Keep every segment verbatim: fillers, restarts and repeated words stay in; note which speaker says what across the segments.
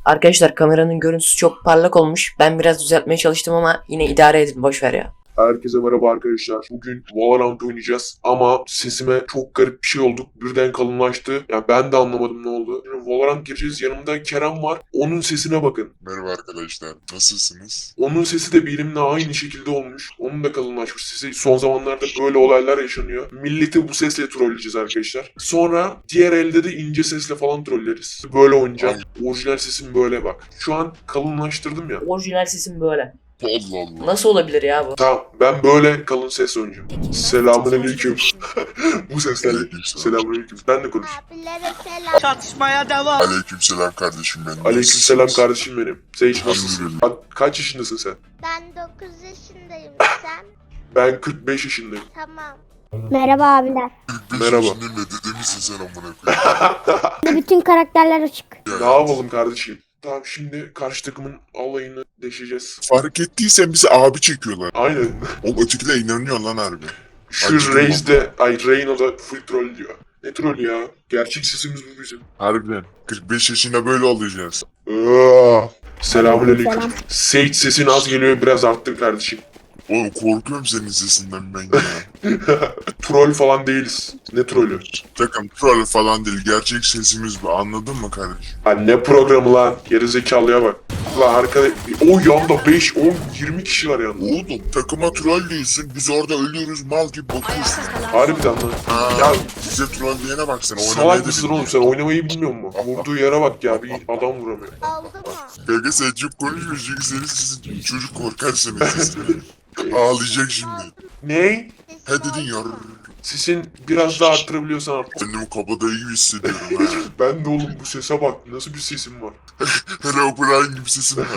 Speaker 1: Arkadaşlar kameranın görüntüsü çok parlak olmuş. Ben biraz düzeltmeye çalıştım ama yine idare edin, boş ver ya.
Speaker 2: Herkese merhaba arkadaşlar. Bugün Valorant oynayacağız ama sesime çok garip bir şey oldu. Birden kalınlaştı. Yani ben de anlamadım ne oldu. Şimdi Valorant gireceğiz. Yanımda Kerem var. Onun sesine bakın.
Speaker 3: Merhaba arkadaşlar, nasılsınız?
Speaker 2: Onun sesi de benimle aynı şekilde olmuş. Onun da kalınlaşmış sesi. Son zamanlarda böyle olaylar yaşanıyor. Milleti bu sesle trolleyeceğiz arkadaşlar. Sonra diğer elde de ince sesle falan trolleriz. Böyle oynayacağım. Orijinal sesim böyle bak. Şu an kalınlaştırdım ya.
Speaker 1: Orijinal sesim böyle.
Speaker 3: Allah Allah.
Speaker 1: Nasıl olabilir ya bu?
Speaker 2: Tamam, ben böyle kalın ses oynayacağım. Selamünaleyküm. Bu seslerle.
Speaker 3: Aleykümselam.
Speaker 2: Selamünaleyküm. Ben de konuş.
Speaker 4: Abilere selam.
Speaker 5: Çatışmaya devam.
Speaker 3: Aleykümselam kardeşim benim.
Speaker 2: Aleykümselam kardeşim benim. Sen hiç nasılsın?
Speaker 3: Elhamdülillah.
Speaker 2: Bak, kaç yaşındasın sen?
Speaker 4: Ben dokuz yaşındayım. Sen?
Speaker 2: Ben kırk beş yaşındayım.
Speaker 4: Tamam.
Speaker 6: Merhaba abiler.
Speaker 2: Merhaba.
Speaker 3: Şimdi ne dede misin sen amına koyayım?
Speaker 6: Bütün karakterler açık.
Speaker 2: Ne yapalım kardeşim? Tamam, şimdi karşı takımın alayını deşeceğiz.
Speaker 3: Fark ettiysen bizi abi çekiyorlar.
Speaker 2: Aynen.
Speaker 3: O ötekiler inanıyor lan harbi.
Speaker 2: Şu
Speaker 3: Acıdım
Speaker 2: Reis de, ay Reyna da full troll diyor. Ne troll ya? Gerçek sesimiz bu bizim.
Speaker 3: Harbiden. kırk beş yaşında böyle olacağız.
Speaker 2: Aa, Selamünaleyküm.
Speaker 6: Selam.
Speaker 2: Sage sesin az geliyor, biraz arttır kardeşim.
Speaker 3: Oğlum korkuyorum senin sesinden ben ya.
Speaker 2: Troll falan değiliz. Ne trollü?
Speaker 3: Takım troll falan değil. Gerçek sesimiz bu. Anladın mı kardeşim?
Speaker 2: Ha, ne programı lan? Gerizekalıya bak. Lan arkada o yanda beş, on, yirmi kişi var yanda.
Speaker 3: Oğlum takıma troll diyorsun. Biz orada ölüyoruz mal gibi bakıyorsun.
Speaker 2: Harbiden lan.
Speaker 3: Ha,
Speaker 2: Ya
Speaker 3: size troll diyene bak sen.
Speaker 2: salak mısın oğlum sen? Oynamayı bilmiyor musun? Vurduğu yere bak ya, bir adam vuramıyor.
Speaker 4: Oldu mu?
Speaker 3: Kanka sen çok konuşmuyorsun çünkü senin sesin çocuk korkar senin sesinden. Ağlayacak şimdi.
Speaker 2: Ne?
Speaker 3: He dedin ya.
Speaker 2: Sesin biraz daha arttırabiliyorsan arttır.
Speaker 3: Kendimi kabadayı gibi hissediyorum ha.
Speaker 2: Ben de oğlum, bu sese bak. Nasıl bir sesim var?
Speaker 3: Hello Brian gibi sesin var.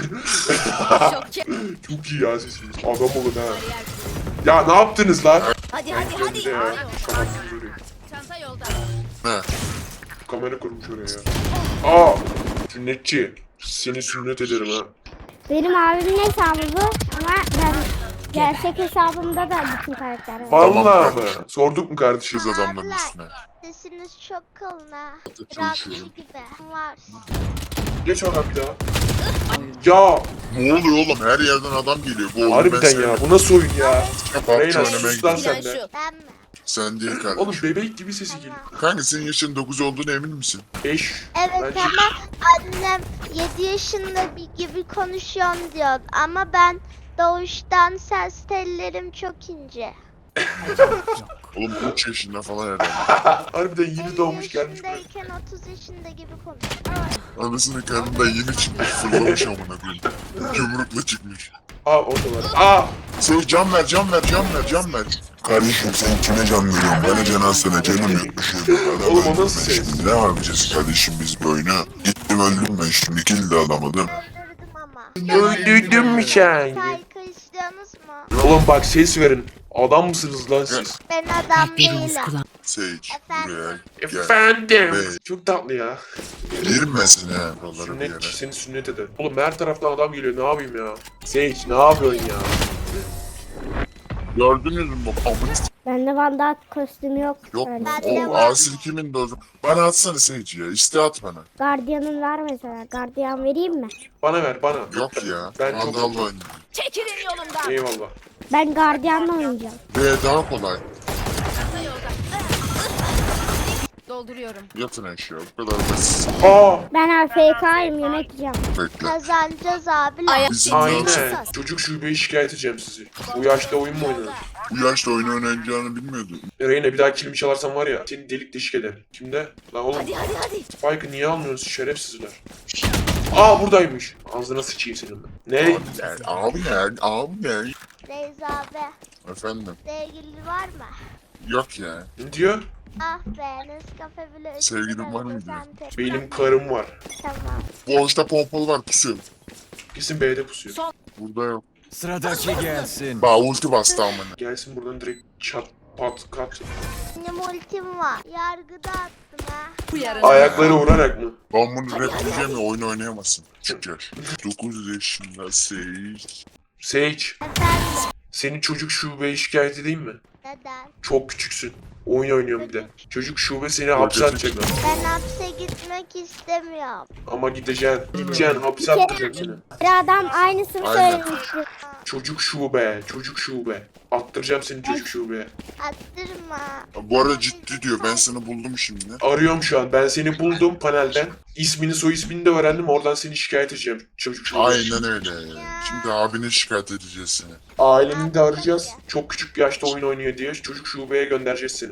Speaker 2: Çok iyi ya sesiniz. Adam olun ha. Ya ne yaptınız lan?
Speaker 7: Hadi
Speaker 2: Ben
Speaker 7: hadi hadi.
Speaker 2: de ya. Kapattınız orayı.
Speaker 7: Çanta yolda.
Speaker 3: He.
Speaker 2: Kamera kurmuş oraya ya. Aa! Sünnetçi. Seni sünnet ederim ha.
Speaker 6: Benim abimin hesabı bu ama ben gerçek hesabımda da bütün karakter var.
Speaker 2: Vallahi mı? Sorduk mu kardeşim?
Speaker 3: Kız adamların üstüne.
Speaker 4: Sesiniz çok kalın ha.
Speaker 3: Çalışıyorum.
Speaker 4: Rocky gibi. Var.
Speaker 2: Geç ona bir daha. Ya
Speaker 3: Ne oluyor oğlum? Her yerden adam geliyor. Bu oyunu ben
Speaker 2: harbiden
Speaker 3: sevmem.
Speaker 2: ya. Bu nasıl oyun ya?
Speaker 3: PUBG
Speaker 2: Reyna
Speaker 3: oynamaya
Speaker 2: sus lan
Speaker 3: gidiyorum.
Speaker 2: sen de.
Speaker 7: Şu.
Speaker 4: Ben mi?
Speaker 3: Sen değil kardeşim.
Speaker 2: Oğlum bebek gibi sesi geliyor.
Speaker 3: Kanka senin yaşın dokuz olduğuna emin misin?
Speaker 2: Eş.
Speaker 4: Evet
Speaker 2: Bence-
Speaker 4: ama annem yedi yaşında bir gibi konuşuyorsun diyor. Ama ben doğuştan ses tellerim çok ince.
Speaker 3: Oğlum üç yaşında falan herhalde.
Speaker 2: Harbiden yeni
Speaker 4: elli
Speaker 2: doğmuş gelmiş böyle.
Speaker 4: yaşındayken otuz yaşında gibi konuşuyor.
Speaker 3: Anasının karnından yeni çıkmış. Fırlamış amına koyayım. Yumrukla çıkmış.
Speaker 2: Aa oradalar. Aa!
Speaker 3: Sen can ver, can ver, can ver, can ver. Kardeşim sen kime can veriyorsun? Bana can alsana, canım yokmuş.
Speaker 2: Oğlum o nasıl ses?
Speaker 3: Ne yapacağız kardeşim biz bu oyunu? Gittim öldüm ben şimdi kill de alamadım.
Speaker 4: Öldürdüm ama.
Speaker 2: Öldürdün mü sen?
Speaker 4: Saygı istiyorsunuz mu?
Speaker 2: Oğlum bak ses verin. Adam mısınız lan siz?
Speaker 4: Ben adam değilim.
Speaker 3: Sage buraya gel.
Speaker 2: Efendim.
Speaker 3: Evet.
Speaker 2: Çok tatlı ya.
Speaker 3: Girmesin ha buraları bir yere.
Speaker 2: Sünnet, seni sünnet eder. Oğlum her taraftan adam geliyor, ne yapayım ya? Sage ne yapıyorsun ya?
Speaker 3: Gördünüz mü bak amına s-
Speaker 6: Bende Van Dijk kostümü yok.
Speaker 3: yok
Speaker 6: Öyle.
Speaker 3: mu?
Speaker 4: Ben de
Speaker 3: O
Speaker 4: var.
Speaker 3: asil kimin de o zaman? Bana atsana Sage ya. İste at bana.
Speaker 6: Guardian'ın var mesela. Guardian vereyim mi?
Speaker 2: Bana ver bana.
Speaker 3: Yok ya.
Speaker 2: Ben
Speaker 3: Ben
Speaker 2: çok-
Speaker 3: Vandal'la oynayayım.
Speaker 7: Çekilin yolumdan.
Speaker 2: Eyvallah.
Speaker 6: Ben Guardian'la oynayacağım.
Speaker 3: Ve daha kolay.
Speaker 7: Çanta yolda. Dolduruyorum.
Speaker 3: Yatın aşağı. Bu kadar basit.
Speaker 2: Aa!
Speaker 6: Ben A F K'yim, yemek yiyeceğim.
Speaker 3: Bekle.
Speaker 4: Kazanacağız abiler.
Speaker 7: Ayak
Speaker 3: Bizim
Speaker 2: Aynen.
Speaker 3: nasıl-
Speaker 2: Çocuk şubeye şikayet edeceğim sizi. Bu yaşta oyun mu oynanır?
Speaker 3: Bu yaşta oyun oynayacağını bilmiyordum.
Speaker 2: Reyna bir daha kilimi çalarsan var ya, seni delik deşik eder. Kimde? Lan oğlum,
Speaker 7: Hadi hadi hadi.
Speaker 2: Spike'ı niye almıyorsunuz şerefsizler? Aa buradaymış. Ağzına sıçayım senin ben. Ne?
Speaker 3: Abi ne? Abi ne? Abi ne?
Speaker 4: Reis abi.
Speaker 3: Efendim?
Speaker 4: Sevgili var mı?
Speaker 3: Yok ya.
Speaker 2: Ne diyor?
Speaker 4: Ah be Nescafe bile ödedi.
Speaker 3: Sevgilin var mı
Speaker 4: Sen
Speaker 3: diyor.
Speaker 4: tek-
Speaker 2: Benim karım var.
Speaker 4: Tamam.
Speaker 3: Boğuşta pompalı var pusuyor.
Speaker 2: Kesin B'de pusuyor.
Speaker 3: Burada yok.
Speaker 5: Sıradaki gelsin.
Speaker 3: Ba ulti bastı amına.
Speaker 2: Gelsin buradan direkt çat pat kat.
Speaker 4: Benim ultim var. Yargıda attım ha.
Speaker 7: Bu yarın.
Speaker 2: Ayakları vurarak mı?
Speaker 3: Ben bunu reddedeceğim ya oyunu oynayamazsın. Küçük yaş. dokuz yaşında Sage.
Speaker 2: Sage,
Speaker 4: Efendim.
Speaker 2: seni çocuk şubeye şikayet edeyim mi?
Speaker 4: Neden?
Speaker 2: Çok küçüksün. Oyun oynuyorum bir de. Çocuk şube seni hapse atacaklar.
Speaker 4: Ben hapse gitmek istemiyorum.
Speaker 2: Ama gideceksin. Gideceksin hapse attıracak seni.
Speaker 6: Bir adam aynısını
Speaker 3: Aynen.
Speaker 6: söylemişti.
Speaker 2: Çocuk şube, çocuk şube. Attıracağım seni çocuk şubeye.
Speaker 4: Attırma.
Speaker 3: Bu arada ciddi diyor. Ben seni buldum şimdi.
Speaker 2: Arıyorum şu an. Ben seni buldum panelden. İsmini soy ismini de öğrendim. Oradan seni şikayet edeceğim çocuk şubeye.
Speaker 3: Aynen öyle. Şimdi abine şikayet edeceğiz seni.
Speaker 2: Aileni de arayacağız. Çok küçük bir yaşta oyun oynuyor diye çocuk şubeye göndereceğiz seni.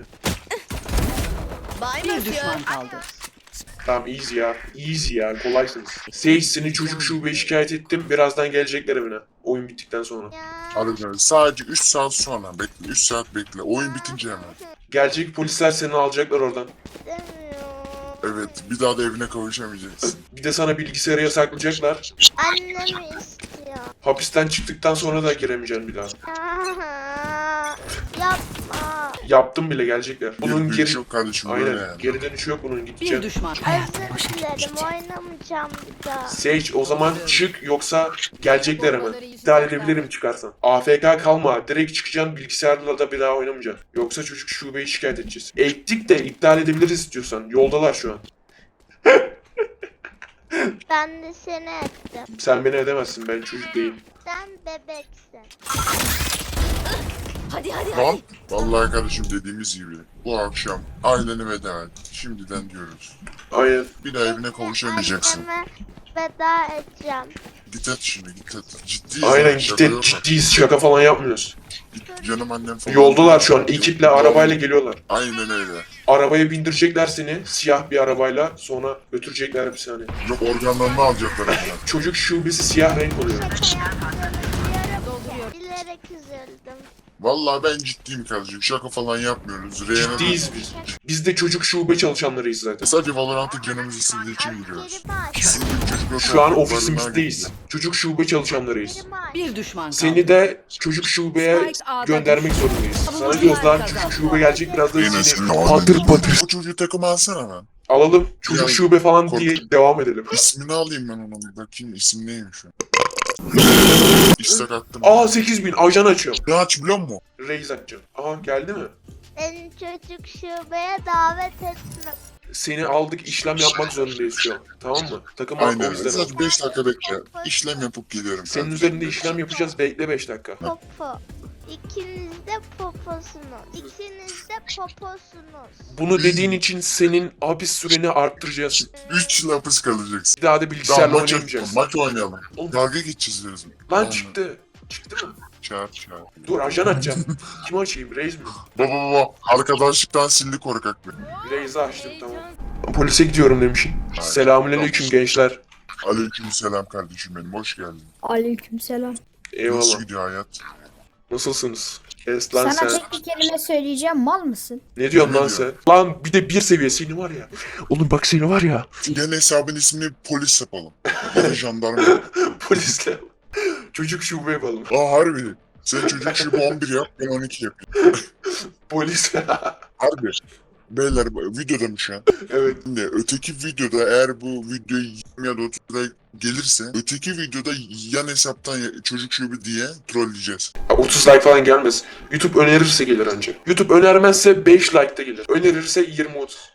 Speaker 7: Bir düşman kaldı.
Speaker 2: Tamam easy ya. Easy ya. Kolaysınız. Sage seni çocuk şubeye şikayet ettim. Birazdan gelecekler evine. Oyun bittikten sonra.
Speaker 4: Ya.
Speaker 3: Harbiden sadece üç saat sonra bekle. üç saat bekle. Oyun bitince hemen.
Speaker 2: Gelecek polisler seni alacaklar oradan.
Speaker 4: İstemiyorum.
Speaker 3: Evet bir daha da evine kavuşamayacaksın.
Speaker 2: Bir de sana bilgisayarı yasaklayacaklar.
Speaker 4: Annemi istiyor.
Speaker 2: Hapisten çıktıktan sonra da giremeyeceksin bir daha.
Speaker 4: Aa, yapma.
Speaker 2: Yaptım bile gelecekler. Bunun
Speaker 3: Bunun
Speaker 2: geri...
Speaker 3: yok kardeşim böyle
Speaker 2: Aynen.
Speaker 3: yani.
Speaker 2: Geri dönüşü yok bunun
Speaker 7: Bir
Speaker 2: gideceğim.
Speaker 7: düşman.
Speaker 4: Özür dilerim oynamayacağım bir daha.
Speaker 2: Sage o zaman çık yoksa gelecekler hemen. İptal edebilirim çıkarsan. A F K kalma. Direkt çıkacaksın bilgisayarla da bir daha oynamayacaksın. Yoksa çocuk şubeyi şikayet edeceğiz. Ettik de iptal edebiliriz istiyorsan. Yoldalar şu an.
Speaker 4: Ben de seni ettim.
Speaker 2: Sen beni edemezsin. Ben çocuk değilim.
Speaker 4: Sen bebeksin.
Speaker 7: Hadi hadi
Speaker 3: Lan vallahi kardeşim dediğimiz gibi bu akşam aileni veda et. Şimdiden diyoruz.
Speaker 2: Aynen.
Speaker 3: Bir daha evine kavuşamayacaksın.
Speaker 4: Anneme veda edeceğim.
Speaker 3: Git et şimdi git et. Ciddiyiz.
Speaker 2: Aynen
Speaker 3: yani, şaka
Speaker 2: ciddi,
Speaker 3: yok.
Speaker 2: ciddiyiz. Şaka falan yapmıyoruz.
Speaker 3: Git, canım annem falan.
Speaker 2: Yoldalar şu an. Ekiple arabayla geliyorlar.
Speaker 3: Aynen öyle.
Speaker 2: Arabaya bindirecekler seni. Siyah bir arabayla. Sonra götürecekler bir saniye.
Speaker 3: Yok organlarını alacaklar ondan.
Speaker 2: Çocuk şubesi siyah renk oluyor.
Speaker 4: Şaka yaptığımı bilerek, bilerek üzüldüm.
Speaker 3: Vallahi ben ciddiyim kardeşim. Şaka falan yapmıyoruz. Reyhan'a da-
Speaker 2: Ciddiyiz biz. Biz de çocuk şube çalışanlarıyız zaten.
Speaker 3: Sadece Valorant'ı canımız istediği için giriyoruz.
Speaker 4: Askerimi aç.
Speaker 3: Sizin gibi çocuklar
Speaker 2: Şu an
Speaker 3: korktuklarından
Speaker 2: ofisimizdeyiz.
Speaker 3: gitti.
Speaker 2: Çocuk şube çalışanlarıyız.
Speaker 4: Askerimi aç.
Speaker 7: Bir düşman kaldı.
Speaker 2: Seni de çocuk şubeye
Speaker 7: Spike A'da
Speaker 2: göndermek
Speaker 7: düştü.
Speaker 2: zorundayız. Sana
Speaker 7: Savunucular
Speaker 2: diyoruz lan
Speaker 7: kazandı.
Speaker 2: çocuk şube gelecek birazdan
Speaker 3: Yine
Speaker 2: seni
Speaker 3: senin
Speaker 2: patır
Speaker 3: ağzını-
Speaker 2: patır
Speaker 3: Bu çocuğu takıma alsana ben.
Speaker 2: alalım. Çocuk
Speaker 3: Ya,
Speaker 2: şube falan
Speaker 3: kork-
Speaker 2: diye devam edelim.
Speaker 3: İsmini alayım ben onun. Bir bakayım isim neymiş şu an. İstek attım.
Speaker 2: Aa sekiz bin ajan açıyorum.
Speaker 3: Ne aç biliyor musun?
Speaker 2: Reis açacağım. Aha geldi mi?
Speaker 4: Beni çocuk şubeye davet etme.
Speaker 2: Seni aldık işlem yapmak zorundayız şu an. Tamam mı? Takım halkı o
Speaker 3: Aynen.
Speaker 2: yüzden.
Speaker 3: Sadece beş dakika bekle. İşlem yapıp geliyorum.
Speaker 2: Senin
Speaker 3: kardeşim.
Speaker 2: üzerinde işlem yapacağız. Bekle beş dakika.
Speaker 4: Popo. İkiniz de poposunuz. İkiniz de poposunuz.
Speaker 2: Bunu dediğin için senin hapis süreni arttıracağız.
Speaker 3: Üç yıl hapis kalacaksın.
Speaker 2: Bir daha da
Speaker 3: Tamam
Speaker 2: bilgisayarla
Speaker 3: maç,
Speaker 2: oynayamayacaksın.
Speaker 3: maç oynayalım.
Speaker 2: Oğlum.
Speaker 3: Dalga geçeceğiz diyorsun.
Speaker 2: Lan
Speaker 3: Tamam.
Speaker 2: çıktı. Çıktı mı?
Speaker 3: Çağır çağır.
Speaker 2: Dur ajan açacağım. Kim açayım? Reis mi?
Speaker 3: Baba baba arkadaşlıktan sildi korkak beni.
Speaker 2: Reis'i açtım tamam. Polise gidiyorum demişim. Selamünaleyküm gençler.
Speaker 3: Aleyküm selam kardeşim benim. Hoş geldin.
Speaker 6: Aleykümselam.
Speaker 3: Nasıl
Speaker 2: Eyvallah.
Speaker 3: gidiyor hayat?
Speaker 2: Nasılsınız? Es lan
Speaker 6: Sana
Speaker 2: sen.
Speaker 6: tek bir kelime söyleyeceğim, mal mısın?
Speaker 2: Ne diyorsun
Speaker 3: Ne
Speaker 2: lan
Speaker 3: diyor?
Speaker 2: sen? Lan bir de bir seviye seni var ya. Oğlum bak seni var ya.
Speaker 3: Gene hesabın ismini polis yapalım. Ya da jandarma.
Speaker 2: Polisle. Çocuk şube yapalım.
Speaker 3: Aa harbi. Sen çocuk şu on bir yap ben on iki yapayım.
Speaker 2: Polis.
Speaker 3: Harbi. Beyler videoda mı şu an?
Speaker 2: Evet.
Speaker 3: Şimdi öteki videoda eğer bu video yirmi ya da otuz like gelirse öteki videoda yan hesaptan ya- çocuk şubu diye trolleyeceğiz.
Speaker 2: otuz like falan gelmez. YouTube önerirse gelir ancak. YouTube önermezse beş like de gelir. Önerirse yirmi otuz.